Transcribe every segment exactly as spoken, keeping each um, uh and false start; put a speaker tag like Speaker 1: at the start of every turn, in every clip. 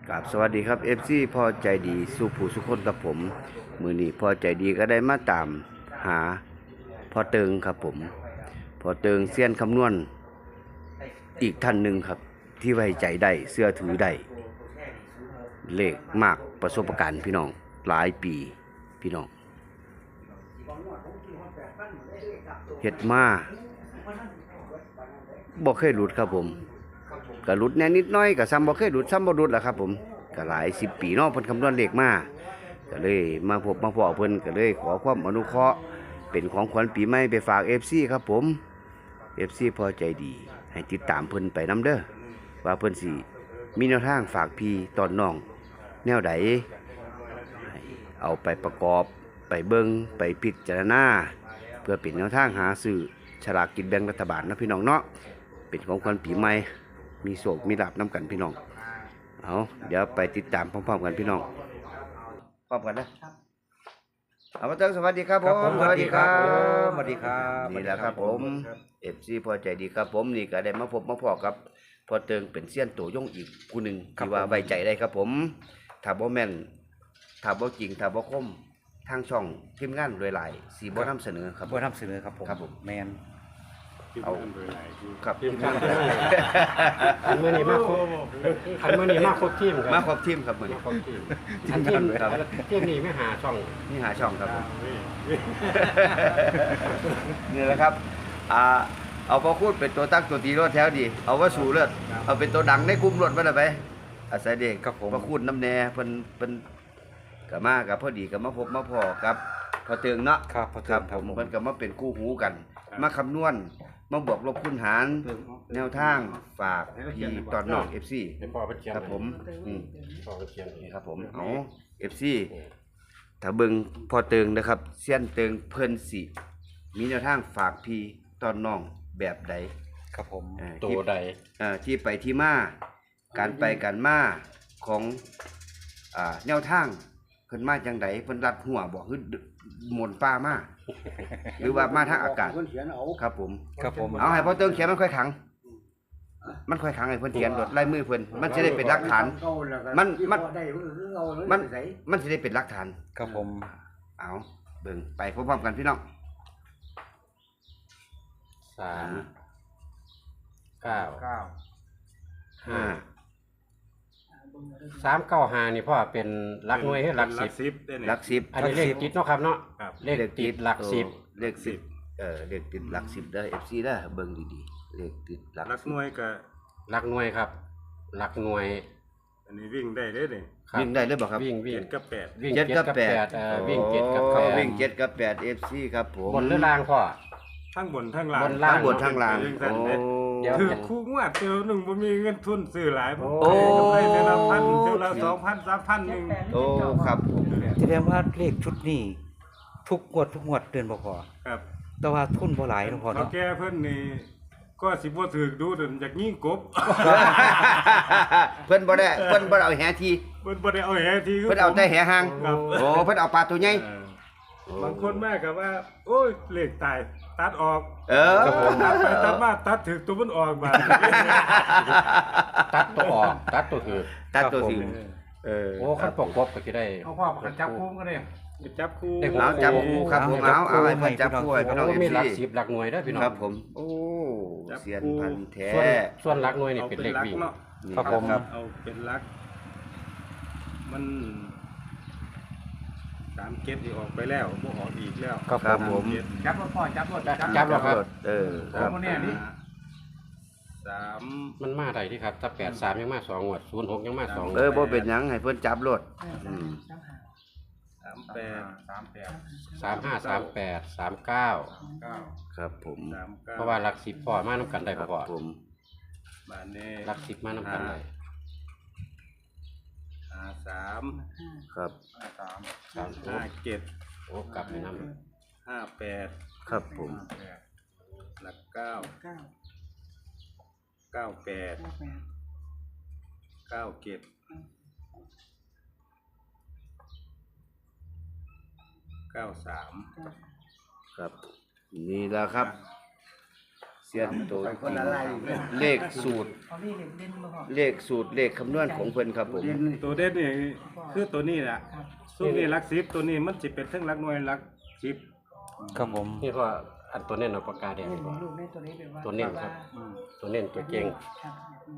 Speaker 1: กับสวัสดีครับ เอฟ ซี พ่อใจดีสู้ผู้สุคนกับผมมือนี้พ่อใจดีก็ได้มาตามหาพ่อเติงครับผมพ่อเติงเซียนคำนวณอีกท่านหนึ่งครับ ที่ไว้ใจได้เสื้อถือได้เลขมากประสบการณ์พี่น้องหลายปีพี่น้องเฮ็ดมาบ่เคยหลุดครับผมก็หลุดแน่นิดน้อยก็ซ้ำบ่เคยหลุดซ้ำบ่หลุดล่ะครับผมก็หลายสิบปีเนาะเพิ่นคำนวณเลขมาก็เลยมาพบมาพ้อเพิ่นก็เลยขอความอนุเคราะห์เป็นของขวัญปีใหม่ไปฝาก เอฟ ซี ครับผม เอฟ ซี พอใจดีให้ติดตามเพิ่นไปนำเด้อว่าเพิ่นสิมีแนวทางฝากพี่ตอนน้องแนวใดให้เอาไปประกอบไปเบิ่งไปพิจารณาเพื่อเป็นแนวทางหาซื้อฉลากกินแบ่งรัฐบาลนะพี่น้องเนาะเป็นของขวัญปีใหม่มีโศกมีลาภนํกันพี่น้องเอาเดี๋ยวไปติดตามพร้อมๆกันพี่น้องพร้อมกันนะเอามาเติงสวัสดีครับผมสวัสดีครับ
Speaker 2: สวัสดีครับ
Speaker 1: นี่แหละครับผมเอฟซีพอใจดีครับผมนี่ก็ได้มาพบมาพอกับพอเติงเป็นเซียนตัวยงอีกผู้หนึ่งที่ว่าไว้ใจได้ครับผมถ้าบ่แม่นถ้าบ่จริงถ้าบ่คมทางช่องทีมงานรวยหลายสีบ่นำเสนอครับ
Speaker 2: บ่นำเสนอครับผม
Speaker 1: ครับผม
Speaker 2: แมน
Speaker 1: เอาครับทีมงาน
Speaker 3: อันมื่อนี้มาครบอันมื่อนี้มาครบทีม
Speaker 1: มา
Speaker 3: ค
Speaker 1: ครับ รบทีมครับมื้อนี้
Speaker 3: ครบทีมอันทีมทีมนี้ไม่หาช่อง
Speaker 1: นี่หาช่องครับผมนี่แหละครับอ่าเอาพอพูดเป็นตัวตั้งตัวตีรถแถวดีเอาว่าสู่เลือดเอาเป็นตัวดังในกลุ่มรถมาได้ไปอาศัยเด็ก
Speaker 2: ครับผม
Speaker 1: พอพูดน้ำแน่เพิ่นเพิ่นก็มากับพอดีก็มาพบมาพอกับพอเติงเนาะ
Speaker 2: ครับพอ
Speaker 1: ค
Speaker 2: เติ
Speaker 1: รั
Speaker 2: ม
Speaker 1: บ
Speaker 2: ค
Speaker 1: ผ
Speaker 2: รับ
Speaker 1: ม
Speaker 2: ผม
Speaker 1: เพิ่นก็มาเป็นคู่หูกัน มาคำนวณมาบวกลบคูณหารแนวทางฝากพี่ตอนน้อง เอฟ ซี
Speaker 3: เป็นพ่อเป็นเชียง
Speaker 1: ครับผมอืม
Speaker 3: พ่อเป็นเชียง
Speaker 1: นี่ครับผมเอา เอฟ ซี ถ้าเบิ่งพอเติงนะครับเสี้ยนเติงเพิ่นสิมีแนวทางฝากพี่ตอนน้องแบบใด
Speaker 2: ครับผม
Speaker 1: เอ่อ
Speaker 3: ตัวใด
Speaker 1: เอ่อที่ไปที่มาการไปการมาของอ่าแนวทางเพิ่นมาจังไดเพิ่นรัดหัวบ่คือหมุนป่ามาหรือว่ามาทางอากาศครับผม
Speaker 2: ครับผม
Speaker 1: เอาให้พอเติงเขียนมันค่อยขัง มันค่อยขังให้เพิ่นเขียนโดดลายมือเพิ่นมันจะได้เป็นหลักฐาน มันมันมันมันสิได้เป็นหลักฐาน
Speaker 2: ครับผม
Speaker 1: เอาเบิ่งไปพร้อมๆกันพี่น้อง
Speaker 3: สามเก้า
Speaker 2: เก้า
Speaker 1: ห้า
Speaker 3: สามเก้าห้านี่พ่อเป็นหลักหน่วยให้หลักสิบ
Speaker 4: สิบได้เนี่ย
Speaker 1: หลักสิบ
Speaker 3: อันนี้เลขติดเนาะครับเนาะ
Speaker 4: ครับ
Speaker 3: เลขติดหลักสิบ
Speaker 1: เลขสิบเออเลขติดหลักสิบเด้อ เอฟ ซี เด้อเบิ่งดีๆเลขติดหลัก
Speaker 4: รักหน่วยก็
Speaker 3: หลักหน่วยครับ หลักหน่วย
Speaker 4: อันนี้วิ่งได้เด้อเนี่ย
Speaker 3: ครับ
Speaker 1: วิ่งได้เลยบ่ครับ
Speaker 3: วิ่งวิ่
Speaker 4: เจ็
Speaker 3: ง
Speaker 4: ดกับแปด
Speaker 3: วิ่ง
Speaker 1: เจ็ด
Speaker 3: เจ็ด
Speaker 1: กับ
Speaker 3: กับ
Speaker 1: แป
Speaker 3: แป
Speaker 1: ด
Speaker 3: ดเอ่อวิ่งเจ็ดกับ
Speaker 1: โอ้
Speaker 3: แปด
Speaker 1: วิ่งเจ็ดกับแปด เอฟ ซี ครับผม
Speaker 3: บนหรือล่างพ่อ
Speaker 4: ทั้งบนทั้งล่าง
Speaker 3: บนล่าง
Speaker 1: ทั้งบนทั้งล่าง
Speaker 4: ทั้
Speaker 1: โอ้
Speaker 4: ง
Speaker 3: เดี๋ยว
Speaker 4: คือคู่งวดเจอหนึ่งบ่มีเงินทุนซื้อหลายผม
Speaker 1: โอ้
Speaker 4: ไปเดือนละพันเดือนละสองพันสามพันหนึ่ง
Speaker 1: โอ้ครับผม
Speaker 2: แสดงว่าเลขชุดนี้ทุกงวดทุกงวดเดือนบ่พอ
Speaker 4: ครับ
Speaker 2: แต่ว่าทุนบ่หลายเนาะพอ
Speaker 4: เขา
Speaker 2: เนาะ
Speaker 4: แก้เพิ่นนี่ก็สิบ่ถือดูเดินจากยิ่งกบ
Speaker 1: เพิ่นบ่ได้เพิ่นบ่ได้เอาแหที
Speaker 4: เพิ่นบ่ได้เอาแหที่คื
Speaker 1: เพิ่นเอาแต่แหหาง
Speaker 4: ครับ
Speaker 1: โอ้เพิ่นเอาปลาตัวใหญ่
Speaker 4: เออบางคนแม่ก็ว่า โอ้ยเลขตายตัดออก
Speaker 1: เออ
Speaker 4: ตัดไปตัดมาตัดถึงตัวมันออกมา
Speaker 3: ตัดตัวออกตัดตัวคือ
Speaker 1: ตัดตัวสิเออ
Speaker 3: โอ้ขั้นปกกบก็จะได้
Speaker 2: เอาพ่อจับคุ้มก็ได้
Speaker 4: จับคู่
Speaker 3: ได้
Speaker 1: เอาจับคู่ครับผมเอาเอาให้เพิ่นจับคู่ให้พี่น้อง
Speaker 3: โอ้
Speaker 1: เอฟ
Speaker 3: มีหลัก
Speaker 1: ซี
Speaker 3: สิบหลักหน่วยได้อพี่น้อง
Speaker 1: ครับผม โอ้เสียนพันธุ์แท้
Speaker 3: ส่วนส่วนหลักหน่วยนี่
Speaker 4: เอา
Speaker 3: เป็น
Speaker 4: เป็น
Speaker 3: เลข
Speaker 4: ลัก
Speaker 3: วิ่ง
Speaker 4: เนาะ
Speaker 1: นี่
Speaker 2: ครับผม
Speaker 4: เอาเป็นลัก มันสามเก็ดที่ออกไปแล้วบ่ออกอีกแล้ว
Speaker 2: ครับ
Speaker 1: ครับผม
Speaker 4: เก็ด
Speaker 2: จับรถพ่อจับรถ
Speaker 3: จับแล้วครับ
Speaker 1: เออครับ
Speaker 2: โอ้เนี่ยนี่
Speaker 4: สาม
Speaker 3: มันมาได้ที่ครับถ้าแปดสามยังมาสองงวดศูนย์หกยังมาสอง
Speaker 1: เออบ่เป็นหยังให้เพิ่นจับรถอืม
Speaker 4: สามแปดสามแปด
Speaker 3: สามห้าสามแปดสามเก้า
Speaker 4: เก้า
Speaker 1: ครับผม
Speaker 4: สามเก้า
Speaker 3: เพราะว่าหลักสิบพอมาน้ำกันได้
Speaker 1: ครับ
Speaker 3: พอ
Speaker 1: ผม
Speaker 4: บานนี้
Speaker 3: หลักสิบมาน้ำกันได้
Speaker 4: ห้าสาม
Speaker 1: ครับ
Speaker 4: ห้าสาม
Speaker 3: สามโอ้
Speaker 4: ห้าเจ็ด
Speaker 3: โอ้กลับไปน้
Speaker 4: ห้าแปด
Speaker 1: ครับผม
Speaker 4: หลักเก้าเก้าแปดเก้าเจ็ดเก้าสาม
Speaker 1: ครับนี่แหละครับซียนโตกิ่งเลขสูตร
Speaker 5: เอาเลขเด่นมาพอ
Speaker 1: เลขสูตรเลขคำนวณของเพิ่นครับผม
Speaker 4: ตัวเด่นนี่คือตัวนี้แหละ
Speaker 5: ครับ
Speaker 4: ซุ่มนี่หลักสิบตัวนี้มันสิเป็นทั้งหลักหน่วยหลักสิบ
Speaker 2: ครับผม
Speaker 6: นี่ก็อันตัวเน้นเอาปากกาแดง
Speaker 5: เด่น
Speaker 6: ดีกว่า
Speaker 5: ลูกในตัวนี้เป็นว่า
Speaker 6: ตัวเน้นครับ ตัวเน้นตัวเก่ง
Speaker 5: ครับอืม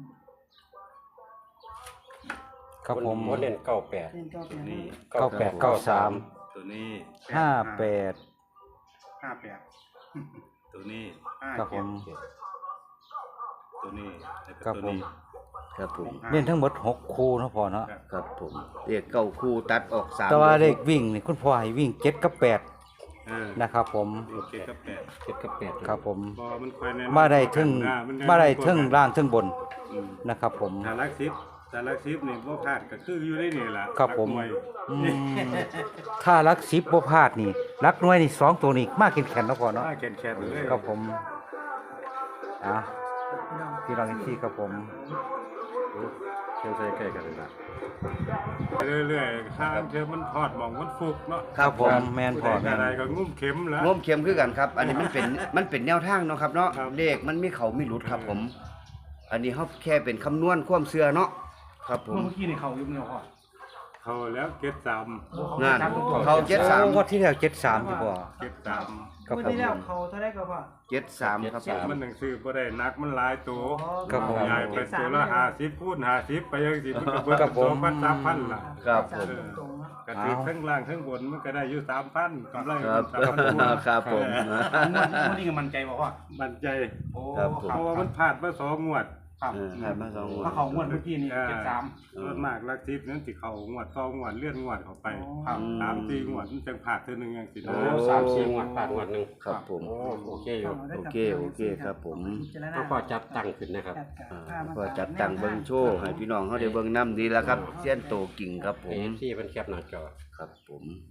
Speaker 2: ครับผม
Speaker 6: บ่เน้นเก้าแปด
Speaker 5: เด่นก็เป็น
Speaker 4: นี่
Speaker 2: เก้าแปดเก้าสาม
Speaker 4: ตัวนี้
Speaker 2: ห้าแปด
Speaker 3: ห้าแปด
Speaker 4: ตัวนี้
Speaker 3: ห้า
Speaker 2: ครับผ
Speaker 3: เจ็ด
Speaker 2: ม
Speaker 4: ตัวนี้แล้วก็
Speaker 2: ครับ
Speaker 4: ตัว
Speaker 2: ผม
Speaker 4: นี้
Speaker 1: ครับผม
Speaker 2: เล่นทั้งหมดหกคู่เนาะพ่อเนาะ
Speaker 1: ครับผมเลขเก้าคู่ตัดออกสาม
Speaker 2: แต่ว่าเลขวิ่งนี่คุณพ่อให้วิ่งเจ็ดกับแปด
Speaker 4: อ่า
Speaker 2: นะครับผม
Speaker 4: โอเคครับแปด
Speaker 6: เจ็ดกับแปด
Speaker 2: ครับผม
Speaker 4: บอมันค่อยแน่นอน
Speaker 2: มาได้ถึง
Speaker 4: อ่น
Speaker 2: มาได้ถึงล่างถึงบน
Speaker 4: อืม
Speaker 2: นะครับผม
Speaker 4: ถ้าหลักสิบถ้าหลักสิบนี่บ่พลาดก็คืออยู่ได้นี่ล่ะ
Speaker 2: ครับผม
Speaker 4: หลักหน่วย
Speaker 2: อืมถ้ารักสิบบ่พลาดนี่รักน้อยนี่สองตัวนี่มากแข็งๆเนาะพ่อเนาะ
Speaker 4: ถ้าแข็งๆเลย
Speaker 2: ครับผมอ่ะ
Speaker 5: พี่น้อง
Speaker 2: พี่น้องที่ครับผม
Speaker 6: เชื่อใจใกล้กันเลยนะ
Speaker 4: ไปเรื่อยๆข้างเธอมันทอดหมองมันฟุกเนาะ
Speaker 2: ครับผมแมนพ่อ
Speaker 4: ผู้
Speaker 2: แม
Speaker 4: ใด
Speaker 2: น
Speaker 4: อะไรก็งุ้มเข็มแล้ว
Speaker 1: งมเข็มคือกันครับ อันนี้มันเป็น มันเป็นแนวทางเนาะครับเนาะ
Speaker 4: ครับ
Speaker 1: เลขมันมีเขามีหลุดครับผม อันนี้เฮาแค่เป็นคำนวณความเชื่อเนาะครับผม
Speaker 3: เมื่อกี้นี่เขายุ่งเนาะพ่อ
Speaker 4: เขาแล้วเก็บสาม
Speaker 1: งานเขาเจ็ดสาม
Speaker 2: งวดที่แล้วเจ็ดสามที่พ่อ
Speaker 4: เก็บสาม
Speaker 2: ครับ
Speaker 5: เมื่อ
Speaker 2: ผม
Speaker 5: ที่แล้วเขาเท่าได้ก็พอ
Speaker 1: เจ็ดสามครับผม
Speaker 4: มันหนังสือบ่ได้นักมันหลายตัว
Speaker 2: ครับผม
Speaker 4: ยายไปตัวละห้าสิบพูดห้าสิบไปยังสิมันก็เบิด
Speaker 2: ครับผม
Speaker 4: สองพันสามพันล่ะ
Speaker 1: ครับผม
Speaker 5: ตรงๆเนาะ
Speaker 4: กระติกทั้งล่างทั้งบนมันก็ได้อยู่สามพันกำไร
Speaker 1: ครับ
Speaker 4: สามพัน
Speaker 1: ครับผม
Speaker 3: งวดงวดนี้ก็มั่นใจบ่พ่อ
Speaker 4: มันใจ
Speaker 3: โอ้
Speaker 1: ครับผม
Speaker 4: เพราะว่ามันผ่านมาสองงวด
Speaker 3: ครับ
Speaker 1: เออครับมาสองงวด
Speaker 3: ถ้าเขางวดเมื่อกี้นี่เจ็ดสาม
Speaker 4: ส่วนมากลักทิพย์นั้นสิเขางวดต่องวดเลื่อนงวดเข้าไป
Speaker 3: ครับ
Speaker 4: สามสี่งวดมันจังผ่านเท่านึงอย่างสิ
Speaker 6: โอ้
Speaker 4: นะ
Speaker 6: สามสี่งวดผ่านงวดหนึ่ง
Speaker 1: ครับผม
Speaker 6: โอ้โอเคอยู่
Speaker 1: โอเคโอเคครับผม
Speaker 6: ก็พอจับตั้งขึ้นนะครับ
Speaker 1: อ่าก็จัดตั้งเบิ่งโชว์ให้พี่น้องเฮาได้เบิ่งนำดีแล้วครับเสี้ยนโตกิ่งครับผ
Speaker 6: เอ
Speaker 1: ม
Speaker 6: ฟซีเป็นแคปหน้าจอ
Speaker 1: ครับผม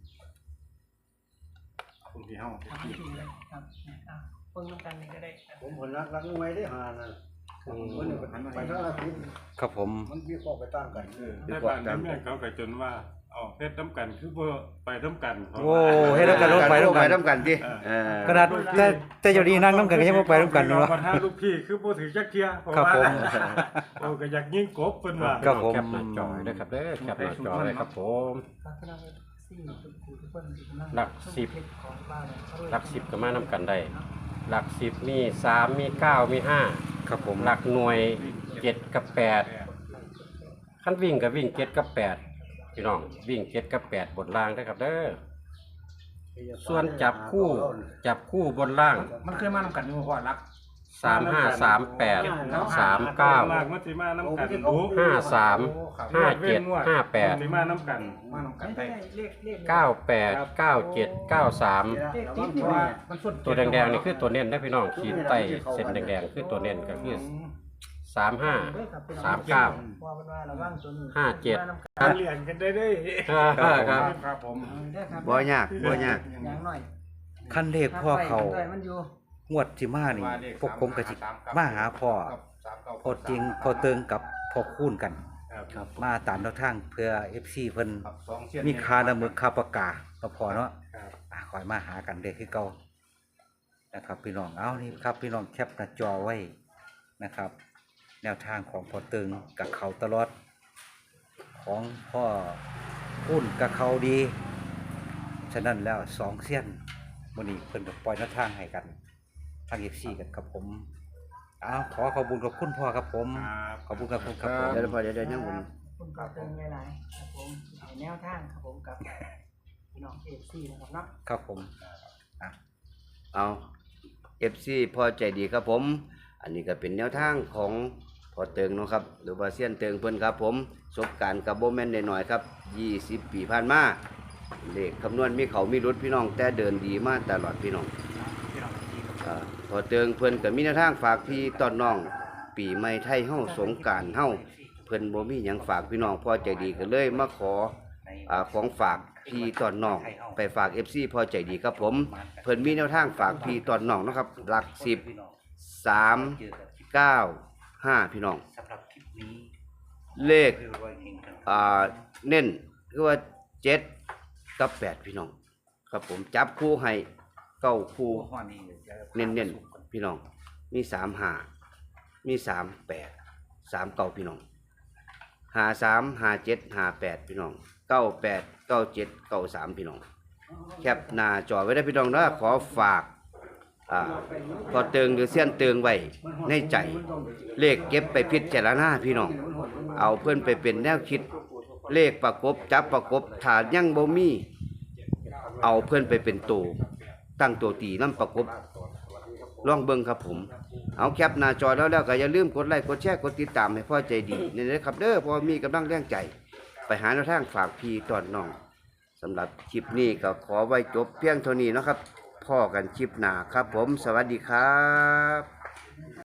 Speaker 3: คุณพี่เฮา
Speaker 5: ครับครับอ่ะเพิ่งต้องการนี่ก็ได้ครับ
Speaker 7: ผมผลรักรักไว้ได้หานั่น
Speaker 6: อืม
Speaker 7: มันไปทางไปทางอาทิตย์
Speaker 2: ครับผม
Speaker 7: มันมีข้อไปตั้งกัน
Speaker 4: ในบ้านในเมืองเขาก็จนว่าเอาเพชรน้ำกันคือบ่ไปน้ำกันเพราะ
Speaker 2: โอ้
Speaker 4: ว่า
Speaker 2: ให้เรากันลงไปลง
Speaker 1: ไป
Speaker 2: กัน
Speaker 1: นำกันติเออก
Speaker 2: ระดาษแต่แต่เดี๋ยวนี้นั่งน้ำกันก็ยังบ่ไปน้ำกัน
Speaker 4: เนาะ
Speaker 2: เนาะ
Speaker 4: ปัญหาลูกพี่คือบ่ถือจักเที่ยเพราะ
Speaker 2: ครับ
Speaker 4: ว่า
Speaker 2: ผม
Speaker 4: โอ้ก็อยากยิงกบเพิ่นว่า
Speaker 2: ครับผม
Speaker 6: แคปหน้าจอเลยครับเด้อแคปหน้าจอเลยครับผม
Speaker 5: ครับพี่น้องสี่ทุกคนที่กำลัง
Speaker 6: หลักสิบ
Speaker 5: ของบ้านเขาด้วย
Speaker 6: หลักสิบก็มานำกันได้ หลักสิบมีสามมีเก้ามีห้า
Speaker 2: ครับผม
Speaker 6: หลักหน่วยเจ็ดกับแปดขั้นวิ่งกับวิ่งเจ็ดกับแปดพี่น้องวิ่งเจ็ดกับแปดบนล่างได้อครับเด้อส่วนจับคู่จับคู่บนล่าง
Speaker 3: มันเคยมานำกันอยู่พ่อรัก
Speaker 6: สามห้าสามแปดสามเก้า
Speaker 4: ลากมันสิมาน้ำกันดู
Speaker 6: ห้าสามห้าเจ็ดห้าแปด
Speaker 4: สิมาน้ำกัน
Speaker 3: มานำกัน
Speaker 5: ไม่
Speaker 3: ได้
Speaker 5: ได้เลขเลข
Speaker 6: เก้าแปดเก้าเจ็ดเก้าสาม
Speaker 5: เลขติด
Speaker 3: เพ
Speaker 5: นี่
Speaker 3: ราะว่า
Speaker 5: ว่า
Speaker 3: มันส่วน
Speaker 6: ตัวแดงๆนี่คือตัวเน้นได้อพี่น้องขีดใต้เส้นแดงๆคือตัวเน้นก็คือสามห้าสามเก้า
Speaker 5: ว่ามันว่าระวังตัวนี้
Speaker 6: ห้าเจ็ด
Speaker 4: การเรียนกันได้เด้
Speaker 6: ครับ
Speaker 3: ครับผม
Speaker 5: ได้ครับ
Speaker 1: บ่ยากบ่ยาก
Speaker 5: อย่างน้อย
Speaker 2: คันเลขพ่อเขา
Speaker 5: ถ้ไปมันอยู่
Speaker 2: งวดที่มานี่พวกผมก็สิมาหาพ่อพ่อจริงพ่อเติงกับพ่อคูณกัน
Speaker 4: ครับ
Speaker 2: มาตามแนวทางเพื่อ เอฟ ซี เพิ่น
Speaker 3: สองเสี้ยน
Speaker 2: มีคาละมึกคาปากกาก็พอเนาะ
Speaker 4: ครับ
Speaker 2: อ่ะคอยมาหากันเด้อคือเก่านะครับ พี่น้องเอานี่ครับ พี่น้องแคปหน้าจอไว้นะครับ แนวทางของพ่อเติงกับเขาตลอด ของพ่อคูณกับเขาดี ฉะนั้นแล้วสองเสี้ยนมื้อนี้เพิ่นก็ปล่อยแนวทางให้กันทาง เอฟ ซี กันครับผมอ้าวขอขอบคุณขอบคุณพ่อครับผม
Speaker 4: ครับ
Speaker 2: ขอบคุณครับผมครับผม
Speaker 1: เดี๋ยวพอเดี๋ยวเดี๋ยวยังผม
Speaker 5: คุณก็เติมหลายๆครับผมให้แนวทางครับผมกับพี่น้องเอฟซีนะครับเนาะ
Speaker 2: ครับผม
Speaker 1: เอา เอฟ ซี พอใจดีครับผม อันนี้ก็เป็นแนวทางของพอเติงเนาะครับ หรือว่าเซียนเติงเพิ่นครับผมประสบการณ์กับบ่แม่นน้อยๆครับยี่สิบปีผ่านมาเลขคำนวณมีเขามีรุดพี่น้องแต่เดินดีมาตลอดพี่น้องอ่าพอเติงเพิ่นก็มีแนวทางฝากพี่ตอนน้อง ปีใหม่ไทยเฮาสงกรานต์เฮาเพิ่นบ่มีหยังฝากพี่น้องพอใจดีก็เลยมาขออ่าของฝากพี่ตอนน้องไปฝาก เอฟ ซี พอใจดีครับผม เพิ่นมีแนวทางฝากพี่ตอนน้องเนาะครับหลักสิบ สาม เก้า ห้าพี่น้อง
Speaker 2: สำหรับคลิปนี้
Speaker 1: เลข
Speaker 2: คือรวยเองครับ
Speaker 1: อ่าเน้นคือว่าเจ็ดกับแปดพี่น้อง ครับผมจับคู่ให้เก้าคู่
Speaker 2: หัวนี่ดี๋ยวจะ
Speaker 1: เน้นๆพี่น้องมีสามห้ามีสามแปดสามเก้าพี่น้องห้าสามห้าเจ็ดห้าแปดพี่น้องเก้าแปดเก้าเจ็ดเก้าสามพี่น้องแคปหน้าจอไว้ได้พี่น้องนะขอฝากอ่าพอเติงหรือเสี้ยนเติงไว้ในใจเลขเก็บไปพิจารณาพี่น้องเอาเพื่อนไปเป็นแนวคิดเลขประกบจับประกบถ้ายังบ่มีเอาเพื่อนไปเป็นตัวตั้งตัวตีน้ำประกบลองเบิ่งครับผมเอาแคปหน้าจอแล้วแล้วก็อย่าลืมกดไลค์กดแชร์กดติดตามให้พ่อใจดีนี่นะครับเด้อพอมีกำลังแรงใจไปหาแนวทางฝากพี่ตอนน้องสำหรับคลิปนี้ก็ขอไว้จบเพียงเท่านี้นะครับพ่อกันคลิปหน้าครับผมสวัสดีครับ